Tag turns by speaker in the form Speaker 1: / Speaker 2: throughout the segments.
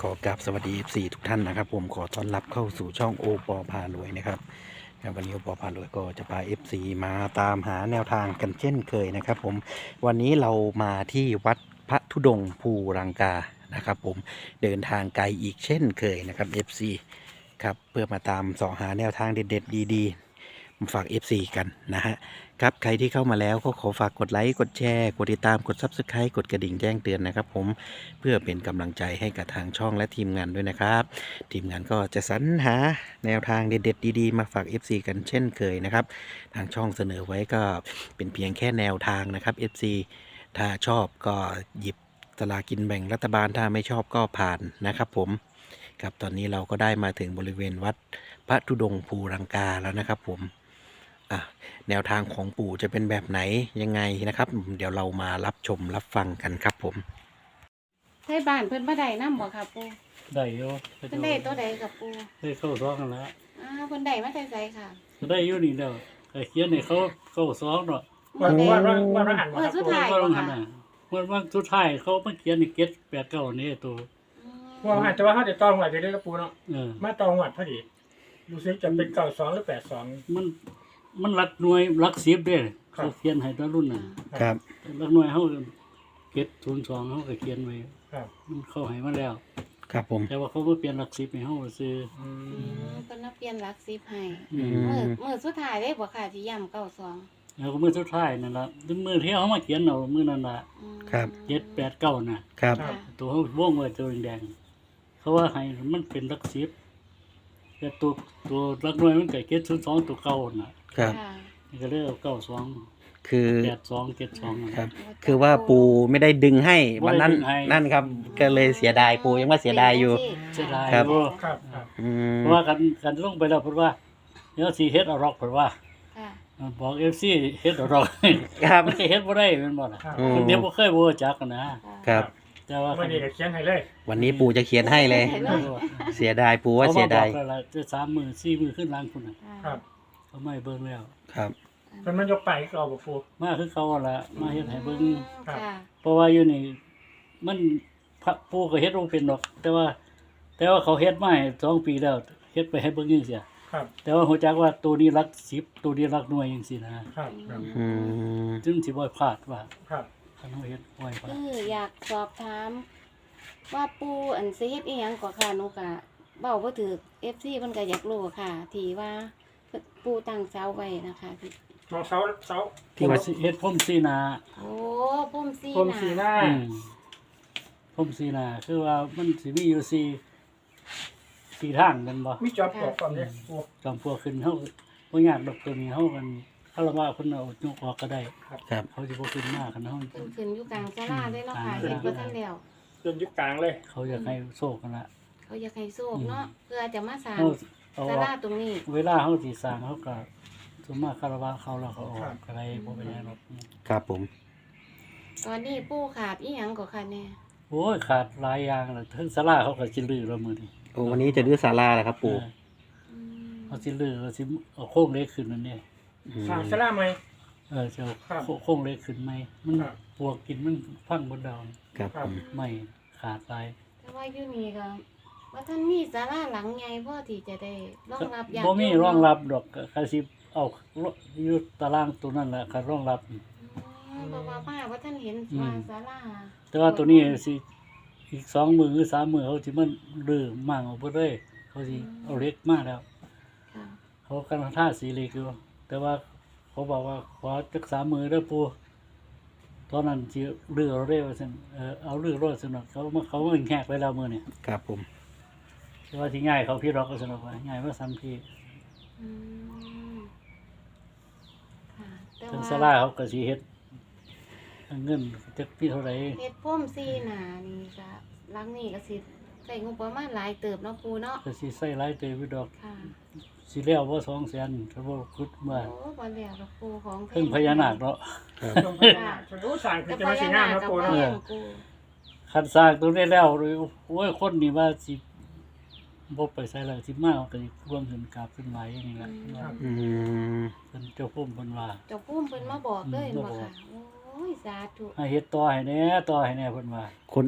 Speaker 1: ขอกราบสวัสดี FC ทุกท่านนะครับผมขอต้อนรับเข้าสู่ช่องโอปอพารวยนะครับวันนี้โอปอพารวยก็จะพา FC มาตามหาแนวทางกันเช่นเคยนะครับผมวันนี้เรามาที่วัดพระธุดงค์ภูรังกานะครับผมเดินทางไกลอีกเช่นเคยนะครับ FC ครับเพื่อมาตามส่องหาแนวทางเด็ดๆดีๆมาฝาก FC กันนะฮะครับใครที่เข้ามาแล้วก็ขอฝากกดไลค์กดแชร์กดติดตามกด Subscribe กดกระดิ่งแจ้งเตือนนะครับผมเพื่อเป็นกำลังใจให้กับทางช่องและทีมงานด้วยนะครับทีมงานก็จะสรรหาแนวทางเด็ดๆดีๆมาฝาก FC กันเช่นเคยนะครับทางช่องเสนอไว้ก็เป็นเพียงแค่แนวทางนะครับ FC ถ้าชอบก็หยิบสลากินแบ่งรัฐบาลถ้าไม่ชอบก็ผ่านนะครับผมครับตอนนี้เราก็ได้มาถึงบริเวณวัดพระธุดงค์ภูรังกาแล้วนะครับผมแนวทางของปู่จะเป็นแบบไหนยังไงนะครับเดี๋ยวเรามารับชมรับฟังกันครับผม
Speaker 2: ไทบ้านเพิ่นบ่ได้นำบ่ค่ะปู่
Speaker 3: ได้อยู่
Speaker 2: เพิ่นได้ตัวใดกับปู่
Speaker 3: ได้เข้าซองกันแล้ว
Speaker 2: เพิ่นได้มาแต่ไสค่ะ
Speaker 3: ได้อยู่นี่แล้วแต่เขียนให้เขาเข้าซองเนาะ
Speaker 2: มื้อใด
Speaker 4: ว่าหัน
Speaker 2: มื้อสุดท้าย
Speaker 3: ว่า
Speaker 2: บ่
Speaker 3: หัน
Speaker 2: ค่ะ
Speaker 3: น่ะวันสุดท้ายเขามาเขียนนี่เก็ด89นี่ตัว
Speaker 4: ว่าหันแต่ว่าเขาจะต้องหวัดไปด้วยกระปูเนาะ
Speaker 3: เออ
Speaker 4: มาต้องหวัดพอดีรู้สึกจะเป็น92หรือ82
Speaker 3: มันหลักหน่วยหลัก10เด้เขาเขียนให้ตอนรุ่นน่ะ
Speaker 1: ครับ
Speaker 3: หลักหน่วยเฮาเก็ด02เฮาก็เขียนไว้
Speaker 4: ครับ
Speaker 3: มันเข้าให้มาแล้ว
Speaker 1: ครับผม
Speaker 3: แต่ว่าเขาบ่เปลี่ยนหลัก10ให้เฮาซื้อ
Speaker 2: เพิ่นมาเปลี่ยนหลัก10ให้
Speaker 3: อืม
Speaker 2: มื้อสุดท้ายได้บ่ค่ะที่ย่ำ92
Speaker 3: แล้วก็มื้อสุดท้ายนั่นล่ะมื้อที่เขามาเขียนเอามื้อนั้นล่ะ
Speaker 1: ครับ
Speaker 3: 789น่ะ
Speaker 1: ครับ
Speaker 3: ตัวเขาวงไว้ตัวแดงๆเขาว่าให้มันเป็นลักซิบแต่ตัวลักน้อยมันเกิดเก็ด02ตัวเก่าน่ะ
Speaker 1: ครับ
Speaker 2: ค่ะ
Speaker 3: นี่ก็เลยเอา92
Speaker 1: คือ
Speaker 3: 82 72
Speaker 1: ครับ คือว่าปูไม่ได้ดึงให้วันนั้น
Speaker 3: ไม่ได้ดึงให้
Speaker 1: นั่นครับก็เลยเสียดายปูยังว่าเสียดายอยู่
Speaker 3: เสียดาย
Speaker 1: ครับ
Speaker 3: อยู่
Speaker 4: ครับครับ
Speaker 1: อืม
Speaker 3: เพราะว่ากันลงไปแล้วเพิ่นว่าเดี๋ยวสิเฮ็ดเอารอกเพิ่นว่า
Speaker 2: ค่ะ
Speaker 3: บอก FC เฮ็ดเอารอก
Speaker 1: ครับ
Speaker 3: มันสิเฮ็ดบ่ได้แม่นบ่ล่ะ
Speaker 4: ครับ
Speaker 1: อืม
Speaker 3: คนเดียวบ่เคยบ่รู้จักกันนะครับ แต่ว่า
Speaker 4: วันนี้ก็เขียนให้เลย
Speaker 1: วันนี้ปูจะเขียนให้เลย เสียดายปูว่าเสียดาย
Speaker 3: ขมบอกแล้วล่ะจะ3มื้อ4มื้อขึ้นหลังพุ่นน่ะ
Speaker 4: ครับ
Speaker 3: เขาไม่เบิ่งแล้ว
Speaker 1: ครับ
Speaker 4: เพิ่นมันยกไปก็เอาบ่ปู
Speaker 3: มาคือเขาล่ะมาเฮ็ดให้เบิ่ง
Speaker 4: ครับ
Speaker 2: ค่ะ
Speaker 3: เพราะว่าอยู่นี่มันพระปู่ก็เฮ็ดบ่เป็นดอก แต่ว่าเขาเฮ็ดมาให้2ปีแล้วเฮ็ดไปให้เบิ่งจังซี่
Speaker 4: ครับ
Speaker 3: แต่ว่าฮู้จักว่าตัวนี้หลัก10ตัวนี้หลักหน่วยจังซี่นะครับ
Speaker 4: ครับ
Speaker 1: อืม
Speaker 3: จึงสิบ่พลาดว่า
Speaker 4: ครับ
Speaker 3: คันเฮาเฮ็ดบ่ให้พลาด
Speaker 2: อยากสอบถามว่าปู่อันสิเฮ็ดอีหยังก็ค่ะหนูก็เว้าบ่ถูก FC เพิ่นก็อยากรู้ค่ะ ที่ว่าปู่ตั้งเสาไว้นะคะที่
Speaker 4: มองเสา
Speaker 1: ที่ว่า
Speaker 3: เฮ็ดพรมสีหน้า
Speaker 2: โอ้พุ่มซี
Speaker 4: ผมสีหน้า
Speaker 3: อืมพรมสีหน้าคือว่ามันสิมีอยู่สี่ทางแม่นบ่
Speaker 4: มีจอบปอกก่อนเนี่ยปู
Speaker 3: จอมพวกขึ้นเฮาบ่ยากดอกตัวนี้เฮากันคารวะเพิ่นเอายกออกก็ได้
Speaker 1: ครับ
Speaker 3: เขาสิบ่ขึ้นมาคันเฮา
Speaker 2: เพิ่นขึ้นอยู่กลางศาลาเลยเนาะค่ะเฮ็ดบ่ทันแล้ว
Speaker 4: จนยึดกลางเลย
Speaker 3: เขาอยากให้โชคกันละ
Speaker 2: เขาอยากให้โชคเนาะเพื่อจะมาสร้าง
Speaker 3: เขาเอา
Speaker 2: ศาลาตรงนี้
Speaker 3: เวลาเขาสิสร้างเขาก็สมมาคารวะเขาแล้วเขาออกอะไรบ่เป็นหยังหรอก
Speaker 1: ครับผม
Speaker 2: ตอนนี้ปู่ขาดอีหยังก็ค่ะแน่
Speaker 3: โอ้ยขาดหลายอย่างแล้วถึงศาลาเขาก็สิลื้อแล้วมื้อนี้
Speaker 1: โอ้วันนี้จะดื้อศาลาแล้วครับปู
Speaker 2: อืม
Speaker 3: เขาสิลื้อเขาสิเอาโครงเหล็กขึ้นนั่นนี่
Speaker 1: อืม
Speaker 4: สร้างสลาไหม
Speaker 3: จะเอา
Speaker 4: ครับ
Speaker 3: โครงเหล็กขึ้นไหมมัน
Speaker 4: ครับ
Speaker 3: ปวกกินมันพังหมดดาว
Speaker 1: ครับผม
Speaker 3: ไม่ขาดหลาย
Speaker 2: แต่ว่าอยู่นี่ก็ว่าท่านมีศาลาหลังใหญ่พอที่จะได้รองรับญาติ
Speaker 3: บ่มี
Speaker 2: โย
Speaker 3: รองรับดอกก็สิเอาอยู่ตารางตัวนั้นแหละก็รองรับ
Speaker 2: เพราะว่าป้าว่าท่านเห็น
Speaker 3: อืม
Speaker 2: ว่าศาลา
Speaker 3: แต่ว่าตัวนี้สิอีก2มื้อหรือ3มื้อเขาสิมันลื้อมั่งออกไปเลยเขาสิเอาเหล็กมาแล้ว
Speaker 2: ค่ะ
Speaker 3: เขากำลังท่าสีเหล็กอยู่แต่ว่าเขาบอกว่าขอจัก3มื้อเด้อปู่ตอนนั้นสิลื้อเอาเร็วซั่นเอาลื้อรถซั่นเนาะเขามาแหกไปแล้วมื้อนี้
Speaker 1: ครับผม
Speaker 3: แต่ว่าสิง่ายเขาพี่รอกก็ซั่นเนาะว่าง่ายว่าซ้ํพี่
Speaker 2: อืมค่ะแต่
Speaker 3: ถึง
Speaker 2: ว่า
Speaker 3: ศาลาเขาก็สิเฮ็ดเงินจักพี่เท่าไหร่
Speaker 2: เฮ็ดพุ่มซีหนานี่ก็หลังนี้ก็สิใช้งบประมาณหลายเติบเนาะปู่เนาะ
Speaker 3: ก็สิใส่หลายเตยอยู่ดอก
Speaker 2: ค่ะ
Speaker 3: สิแล้วบ่200,000ถ้าบ่คิดว่า
Speaker 2: โอ้บ่แล้วดอกปู่ของแท้
Speaker 3: เพิ่งพญานาคเนาะ
Speaker 1: ครับ
Speaker 4: จงพญานาคจะรู้สั่งคือ
Speaker 2: แต่
Speaker 4: จะ
Speaker 2: พ
Speaker 4: มาสี
Speaker 2: ญา
Speaker 4: หน้า
Speaker 2: นาค
Speaker 4: มา
Speaker 2: กับ
Speaker 4: ปู
Speaker 2: บ่
Speaker 4: เนาะ
Speaker 2: แม่นปู่
Speaker 3: คันสร้างตรงนี้แล้วโอ้ยคนนี่ว่าสิบ่ไปใส่แล้วสิมาก็สิร่วมขึ้นกราบขึ้นไหวอย่างนี้แหละ
Speaker 1: อืม
Speaker 3: เพิ่นเจ้าพุ่มเพิ่นว่า
Speaker 2: เจ้าพุ่มเพิ่นมาบอกเลย
Speaker 3: อืม
Speaker 2: บ่
Speaker 3: มาบอก
Speaker 2: ค่ะโอ้ยสาธุ
Speaker 3: ให้เฮ็ดต่อให้แหน่เพิ่นว่า
Speaker 1: คน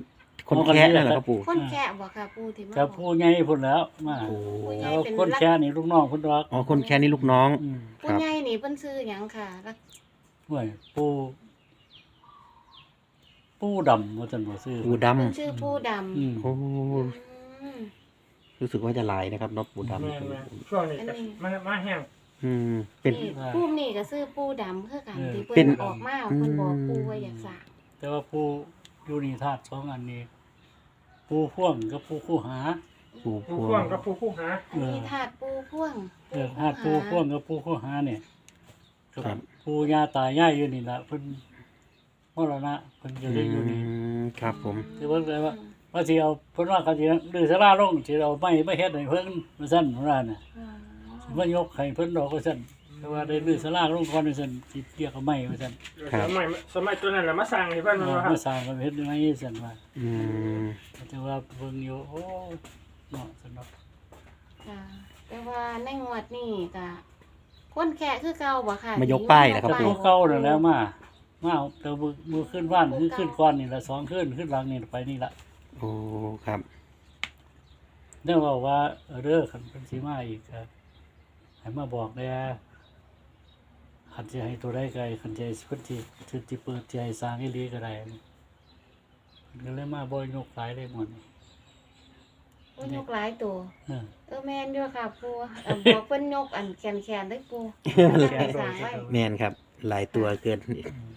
Speaker 1: คนแค่นั่นแหละครับปู่
Speaker 2: คนแค่บ่ค่ะปูที่มา
Speaker 3: กับผู้ใหญ่พุ่นแล้วมา
Speaker 1: โอ้
Speaker 3: แล้วคนแค่นี่ลูกน้องเพิ่นดอก
Speaker 1: อ๋อคนแค่นี้ลูกน้อง
Speaker 3: อืม
Speaker 2: ผู้ใหญ่นี่เพิ่นซื้อหยังค่ะแล้ว
Speaker 3: ห่วยปูดำว่าซั่นบ่ซื้อ
Speaker 1: ปู่ด
Speaker 2: เพิ่นชื่อปูดำ
Speaker 3: อืม
Speaker 1: ำโอ้
Speaker 2: อืม
Speaker 1: รู้สึกว่าจะลายนะครับเนาะปู่ดำ
Speaker 4: แม่ๆช่วงนี้ก็มาแห้ง
Speaker 1: เป็น
Speaker 2: นี่ปูนี่ก็ซื้อปูดำคือกันที่
Speaker 1: เป็
Speaker 2: เพิ่
Speaker 1: น
Speaker 2: นออกมาเพิ่นบอกปูว่าอยากสร้าง
Speaker 3: แต่ว่าปูอยู่นี่ธาตุสองอันนี้ ปูพ่วงกับปูคู่หา
Speaker 1: ปู่
Speaker 4: ผู้
Speaker 1: พว
Speaker 4: พ่วง
Speaker 1: ง
Speaker 4: กับผู้คู่หา
Speaker 2: อันนี้ถาดปูพ่วง
Speaker 3: ธาตุปูพ่วงกับปูคู่หาเนี่ย
Speaker 1: ครับ
Speaker 3: ปูย่าตายายอยู่นี่ล่ะเพิ่นมรณะเพิ่นอยู่ได้อยู่นี่
Speaker 1: ครับผม
Speaker 3: คือเพิ่นเลยว่าสิเอาเพิ่นว่าเขาสิดื้อสลาลงสิเอาไม้มาเฮ็ดให้เพิ่นว่าซั่นว่าน่ะ สิมายกให้เพิ่นดอกว่าซั่นแต่ว่าได้ดื้อสลาลงก่อนว่าซั่นสิเรียกเอาไม้ว่าซั่น
Speaker 4: สมัยตัวนั้นแหละมาสร้างให้เพิ่นว่าครับ
Speaker 3: มาสร้างกันเฮ็ดยังไงซั่นว่า
Speaker 1: อืม
Speaker 3: แต่ว่าเบิ่งอยู่โอ้เนาะซั่นเนาะ
Speaker 2: ค่ะแต่ว่าในงวดนี้ก็คนแค่คือเก่าบ่ค่ะ
Speaker 1: มายกป้ายนะครับ
Speaker 3: แต่
Speaker 1: ปู่
Speaker 3: ตัวเก่านั่นแหล้วมาแต่มือขึ้นว่านคือขึ้นก่อนนี่ละสองขึ้นหลังนี่ไปนี่ละ
Speaker 1: โอ้ครับ
Speaker 3: ได้บอกว่าเด้อคันเป็นสิมาอีกครับให้มาบอกแน่คันสิให้ตัวได้ไกลคันสิเพิ่นสิเปิดสิให้สร้างอีหลีก็ได้เพิ่นก็เลยมาบ่ยกหลายเลยหมดนี่
Speaker 2: เพิ่นยกหลายตัว
Speaker 3: เออ
Speaker 2: แม่นอยู่ค่ะปูบอกเพิ่นยกอันแขนๆได้ปูไปสร้างไว้
Speaker 1: แมนครับ หลายตัวเกิน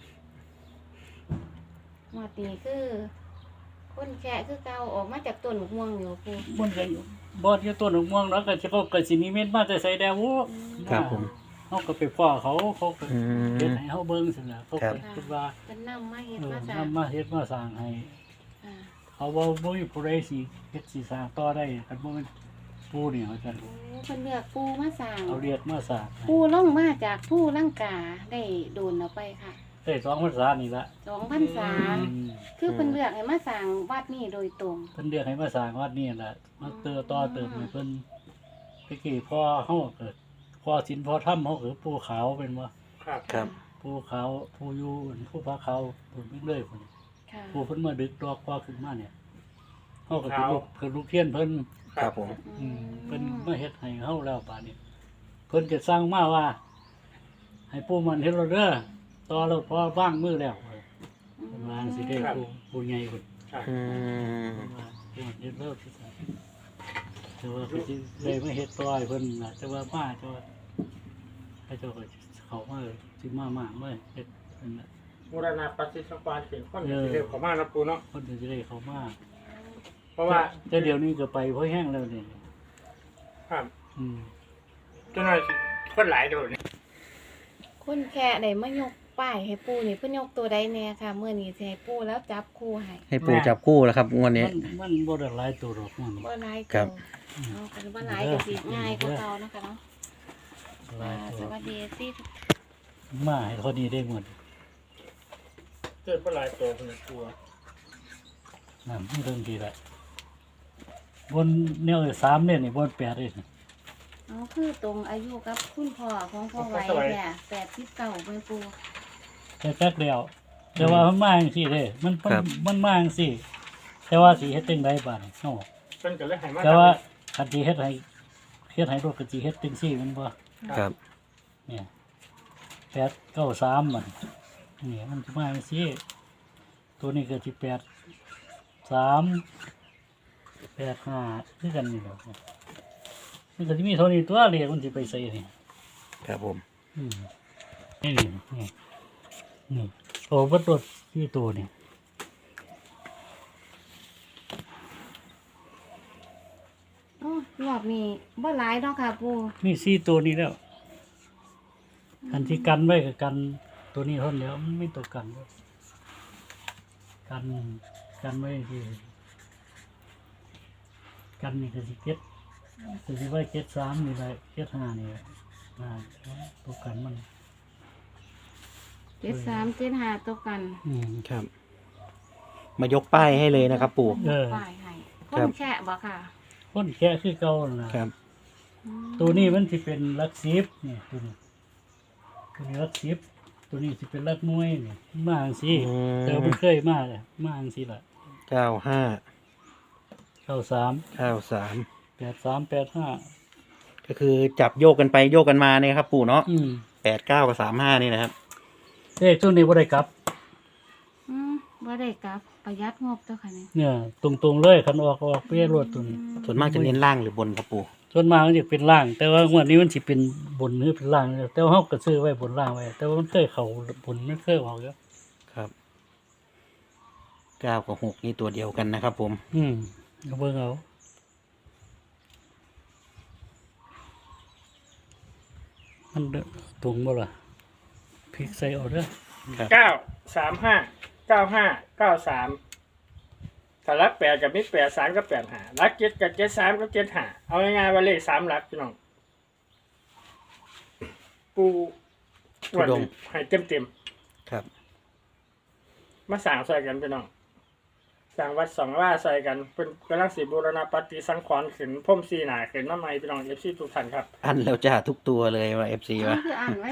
Speaker 2: หมดนี้คือคนแค่คือเก่าออกมาจากต้นมะม่วงอยู่ปู
Speaker 3: มันก็บ่อยู่ต้นม่วงแล้วก็สิเขาก็สินิมิตมาแต่ไสแดวโอ้
Speaker 1: ครับผม
Speaker 3: เฮาก็ไปฟ้อเขาก็
Speaker 1: อืม
Speaker 3: เฮ็ดให้เฮาเบิ่งซั่นน่ะเขา
Speaker 1: ครั
Speaker 3: ก็
Speaker 1: บ
Speaker 3: คิดว่า
Speaker 2: เป็นนำมาเฮ็ด
Speaker 3: เออ
Speaker 2: มาสร้าง
Speaker 3: นำมาเฮ็ดมาสร้างให้
Speaker 2: ค่ะ
Speaker 3: เขาว่าบ่มีผู้ใดสิเฮ็ดสิสร้างต่อได้คันบ่แม่นผู้นี่ว่าซั่น
Speaker 2: โอ้เพิ่นเลือกปูมาสร้าง
Speaker 3: เอาเรียกมาสร้าง
Speaker 2: ปูลงมาจากผู้ลังกาได้โดนเอาไปค่ะ
Speaker 3: ได้2พรรษานี่ละ
Speaker 2: 2พรรษา
Speaker 3: อืม
Speaker 2: คือเพิ่นเลือกให้มาสร้างวัดนี้โดยตรง
Speaker 3: เพิ่นเรียกให้มาสร้างวัดนี่ล่ะมาเติต่อเติมให้เพิ่นตะกี้พ่อเฮาเกิดพ่อศีลพ่อธรรมเฮาคือปู่ขาวเป็นบ่
Speaker 4: ครับ
Speaker 1: ครับ
Speaker 3: ปู่ขาวปู่อยู่ผู้พระขาวพุ่นไปเรื่อยพุ่น
Speaker 2: ค่ะ
Speaker 3: ปู่เพิ่นมาดึกดอกพ่อขึ้นมาเนี่ยเฮาก็สิลูกคือลูกเทียนเพิ่น
Speaker 1: ครับผม
Speaker 3: เพิ่นมาเฮ็ดให้เฮาแล้วป่านนี้เพิ่นจะสร้างมาว่า ให้ปู่มันเฮ็ดเราเด้อต่อแล้วพอว่างมือแล้วเพิ่นว่าสิได้ผู้ใหญ่เพิ่น
Speaker 4: ครับ
Speaker 1: อืม
Speaker 3: เพิ่นว่าปู่มันเฮ็ดแล้วสิแต่ว่าเพิ่นสิได้มาเฮ็ดต่อให้เพิ่นน่ะแต่ว่ามาแต่ว่าให้เจ้าก็เข้ามาสิมาเฮ็ดนั่นน่ะ
Speaker 4: มูรณะปฏิสังขรณ์เป็นคนที่เรียกเขามานะปูเนาะ
Speaker 3: เพิ่นสิได้เข้ามา
Speaker 4: เพราะว่า
Speaker 3: แต่เดี๋ยวนี้ก็ไปเพราะแห้งแล้วนี่
Speaker 4: ครับ
Speaker 3: อืม
Speaker 4: เจ้าหน้าที่คนหลายโดดนี่
Speaker 2: คนแค่ได้มายกป้ายให้ปูนี่เพิ่นยกตัวใดแน่ค่ะมื้อนี้สิให้ปูแล้วจับคู่ให้
Speaker 1: ให้ปู่จับคู่แล้วครับงวดนี้
Speaker 3: มันบ่ได้หลายตัวหรอกมัน
Speaker 2: บ่หลาย
Speaker 1: ครั
Speaker 2: ตัว
Speaker 1: บ
Speaker 2: เอากันบ่หลายก็สิง่ายกว่าเก่านะคะเนาะ
Speaker 3: หลายตั
Speaker 2: ส
Speaker 3: ว
Speaker 2: วัสดีที่
Speaker 3: มาให้เขานี้ได้หมด
Speaker 4: เกิดคนหลายตัวคนละตัว
Speaker 3: นั่นเรื่องดีละบนแนว3เนี่ยนี่บน8เลย
Speaker 2: เอาคือตรงอายุกับคุณพ่อของพ่อไว้แค่89เพิ่นปู
Speaker 3: แต่จักเดียวแต่ว่ามันมาจังซี่เด้มันมาจังซี่แต่ว่าสิเฮ็ดจังไดบาดนี้เฮา
Speaker 4: เพิ่นก็เลยให้มา
Speaker 3: แต่ว่าคันสิเฮ็ดให้รถก็สิเฮ็ดจังซี่แมันบ่
Speaker 1: ครับ
Speaker 3: เนี่ย893มันนี่มันสิมาจังซี่ตัวนี้ก็สิ83 85คือกันนี่แหละมันก็สิมีเท่านี้ตัวเลขมันสิไปใส่นี่
Speaker 1: ครับผม
Speaker 3: นี่นี่โอ้บัดรถที่ตัวนี่
Speaker 2: โอ้รอบนี้บ่หลายเนาะค่ะปู
Speaker 3: มี4ตัวนี้แล้วอันที่กันไว้กับกันตัวนี้เท่านั้นแล้วมันไม่ตัวกันด้วยกันไว้ที่กันนี่ก็สิเก็ดก็สิไว้73นี่แหละ75นี่แหละตัวกันมัน
Speaker 2: 73 75ตัวกัน
Speaker 1: ครับ มายกป้ายให้เลยนะครับปู่
Speaker 2: ป้ายให้ค
Speaker 1: ครั
Speaker 2: น
Speaker 1: บ
Speaker 2: แค่บ่ค่ะ
Speaker 3: คนแค่คือเก่านั่นล่ะ
Speaker 1: ครับ
Speaker 3: ตัวนี้มันสิเป็นหลัก10นี่ตัวนี้หลัก10ตัวนี้สิเป็นหลักหน่วยนี่มาจังซี่
Speaker 1: อืม
Speaker 3: แต่มันเคยมาเลยมาจังซี่ล่ะ 93 83 85
Speaker 1: ก็คือจับโยกกันไปโยกกันมาเนี่ยครับปู่เนาะ
Speaker 3: อืม
Speaker 1: 89กับ35นี่นะครับ
Speaker 3: เลขตัวนี้บ่ได้กลับ
Speaker 2: บ่ได้กลับประหยัดงบเจ้าค่ะนี่
Speaker 3: เนี่ยตรงๆเลยคันออกเปี้ยรวดตัวนี้
Speaker 1: ส่วนมากจะเน้นล่างหรือบนครับปู่
Speaker 3: ส่วนมากมันจะเป็นล่าง แต่ว่างวดนี้มันสิเป็นบนหรือเป็นล่างแต่ว่าเฮาก็ซื้อไว้บนล่างไว้แต่ว่ามันเคยเข้าบนมันเคยออกอยู่
Speaker 1: ครับ9กับ6นี่ตัวเดียวกันนะครับผม
Speaker 3: ก็เบิ่งเอามันตรงบ่ล่ะพลิกใส่เอาเด้อ
Speaker 1: ครับ
Speaker 4: 935 95 93ถ้ารัก8กับมี83กับ85รัก7กับ73กับ75เอาง่ายๆว่าเลข3หลักพี่น้องปูวันนี้ให้เต็ม
Speaker 1: ครับ
Speaker 4: ๆมาสร้างใส่กันพี่น้องสร้างวัดสองว่าใส่กันเป็นกำลังสิบูรณปฏิสังขรณ์ขึ้นพรมสีหนาขึ้นมาใหม่พี่น้อง FC ทุกท่านครับ
Speaker 1: อันแล้วจ้าทุกตัวเลยว่า FC วะ
Speaker 2: คืออ่านไว้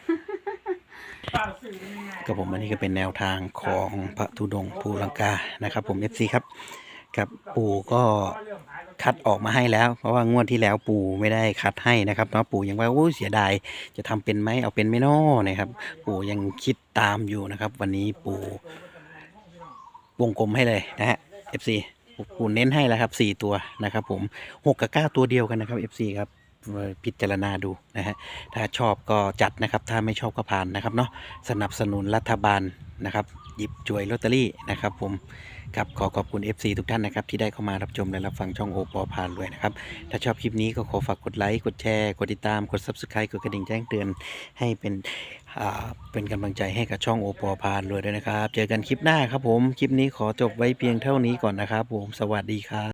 Speaker 1: กับผมอันนี้ก็เป็นแนวทางของพระธุดงค์ภูลังกานะครับผม FC ครับกับปู่ก็คัดออกมาให้แล้ว เพราะว่างวดที่แล้วปู่ไม่ได้คัดให้นะครับเนาะปู่ยังว่าโอ้เสียดายจะทำเป็นไหมเอาเป็นไหม่น้อนะครับ ปู่ยังคิดตามอยู่นะครับ วันนี้ปู่วงกลมให้เลยนะฮะ FC ปู่เน้นให้แล้วครับ4ตัวนะครับผม6กับ9ตัวเดียวกันนะครับ FC ครับพิจารณาดูนะฮะถ้าชอบก็จัดนะครับถ้าไม่ชอบก็ผ่านนะครับเนาะสนับสนุนรัฐบาลนะครับหยิบจ่วยลอตเตอรี่นะครับผมครับขอขอบคุณ FC ทุกท่านนะครับที่ได้เข้ามารับชมและรับฟังช่องโอปอพารวยนะครับถ้าชอบคลิปนี้ก็ขอฝากกดไลค์กดแชร์กดติดตามกด Subscribe กดกระดิ่งแจ้งเตือนให้เป็นกำลังใจให้กับช่องโอปอพารวยด้วยนะครับเจอกันคลิปหน้าครับผมคลิปนี้ขอจบไว้เพียงเท่านี้ก่อนนะครับผมสวัสดีครับ